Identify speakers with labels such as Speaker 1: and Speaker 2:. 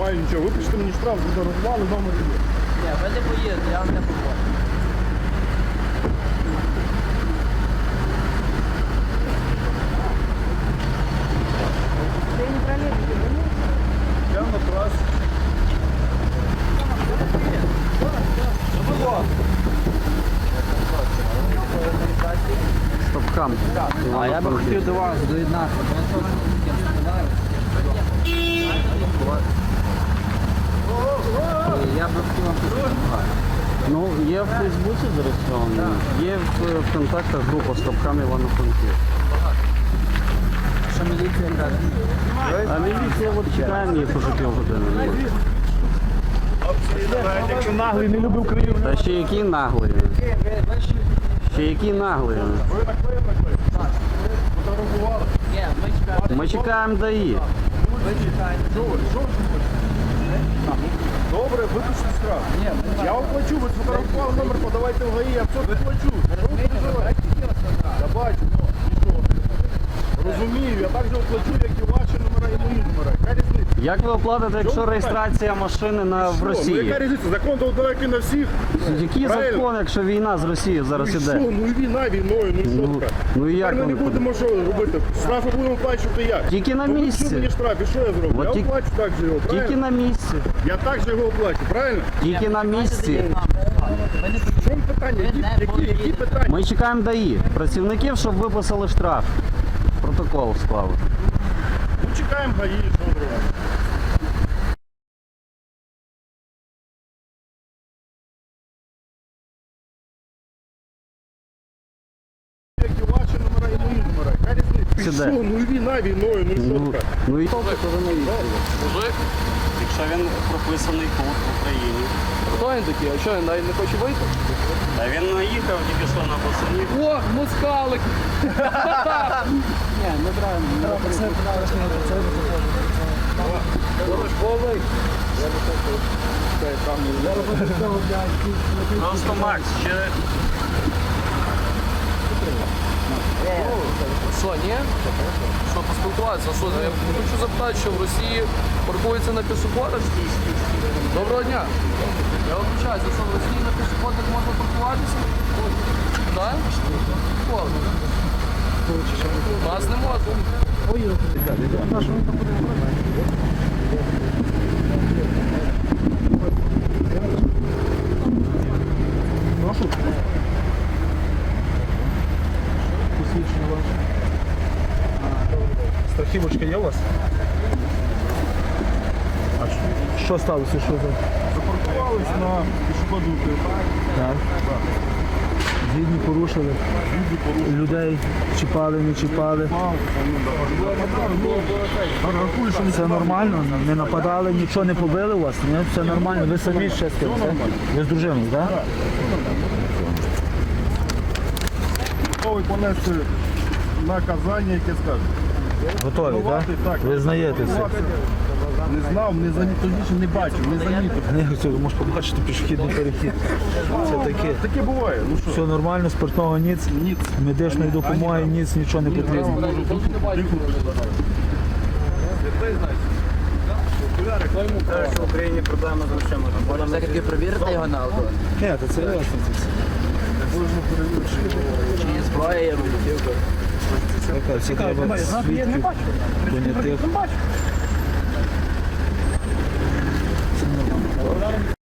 Speaker 1: маю нічого. Випишете мені штраф, задорожували, номер є.
Speaker 2: Ні, ви не поїдете, я вам не поможу.
Speaker 1: Я на трасі.
Speaker 3: Стопкам.
Speaker 2: А я би хотів до вас доєднатися. Я би хотів вам допомагати.
Speaker 3: Ну, є в Фейсбуці зареєстровано, є в контактах група «Стопкам Івано-Франківськ».
Speaker 2: Що міліція каже?
Speaker 3: А міліція от чекає її по півгодини.
Speaker 1: Якщо наглий не любив Україну.
Speaker 3: Та ще які наглі. Ще які наглі.
Speaker 1: Ви наклеїли? Фотографували?
Speaker 2: Ні, ми чекаємо.
Speaker 3: Ми чекаємо ДАІ.
Speaker 2: Ви чекаєте.
Speaker 1: Що ви хочете? Добре, випишіть штраф. Я оплачу, ви сфотографували номер, подавайте в ГАІ, я все оплачу. Що ви переживаєте? Я бачу, ну, і що? Розумію, я так же оплачу, як і ваші номера, і мої номера. Яка різниця?
Speaker 3: Як ви оплатите, якщо реєстрація машини в
Speaker 1: Ну, яка
Speaker 3: Росії?
Speaker 1: різниця? Закон то далекий на всіх.
Speaker 3: Який
Speaker 1: Правильно.
Speaker 3: закон, якщо війна з Росією зараз
Speaker 1: Ну і що?
Speaker 3: іде?
Speaker 1: Ну і війна війною, ну і що
Speaker 3: Ну,
Speaker 1: таке?
Speaker 3: ну і як
Speaker 1: Тепер ми не
Speaker 3: вони
Speaker 1: будемо що робити? Штрафи будемо плачувати як?
Speaker 3: Тільки на
Speaker 1: Ну, ви
Speaker 3: місці.
Speaker 1: що мені штраф, і що я зроблю?
Speaker 3: От
Speaker 1: Я
Speaker 3: тільки-
Speaker 1: оплачу так же його,
Speaker 3: Тільки
Speaker 1: правильно?
Speaker 3: на місці.
Speaker 1: Я так же його оплачу, правильно?
Speaker 3: Тільки на місці.
Speaker 2: Ви не
Speaker 1: В чому питання? Які питання?
Speaker 3: Ми чекаємо ДАІ. Працівників, щоб виписали штраф. Протокол склали.
Speaker 1: Ну, чекаємо ГАІ, що зробимо? Як і ваші номера, і мої номера. Яка різниця? І
Speaker 3: Сюди.
Speaker 1: що? Ну і війна війною, ну і що таке?
Speaker 3: Ну і якщо він прописаний тут, в Україні.
Speaker 4: Хто він такий? А що, він навіть не хоче вийти?
Speaker 3: Та він наїхав тільки що на босоні.
Speaker 4: О, москалик!
Speaker 2: Ні, не треба. Не треба. Це
Speaker 3: Просто Макс, ще
Speaker 4: Що, ні? Що, поспілкуватися? Що, я хочу запитати, що в Росії паркуються на пішоходах? Доброго дня. Я вибачаюся, що в Росії на пішоходах можна паркуватися? Так? Можна. У нас не можна.
Speaker 1: Посвідчення ваше. Страхівочка є у вас?
Speaker 5: Що сталося? Що за?
Speaker 1: Запаркувались на пішоходну
Speaker 5: Так. Згідні порушили. Людей чіпали, не чіпали. Все нормально, не нападали, нічого не побили у вас, ні? Все нормально. Ви самі ще з ким? так? Ви з дружиною, так?
Speaker 1: Готовий понести наказання, яке скаже.
Speaker 5: Готові, так?
Speaker 1: Так.
Speaker 5: Ви знаєте все.
Speaker 1: Не знав, не замітив, не бачив, не замітив.
Speaker 5: Не, це, можеш побачити пішохідний перехід. Це таке.
Speaker 1: Таке буває, ну що?
Speaker 5: Все нормально, спиртного ніц, медичної допомоги, ніц, нічого не потрібно.
Speaker 3: в Україні проблема з грошима.
Speaker 2: Можна все-таки перевірити його на алкоголь?
Speaker 5: Ні, то це ясно.
Speaker 2: Чи є зброя, є вибухівка?
Speaker 5: Це треба свідків, понятих.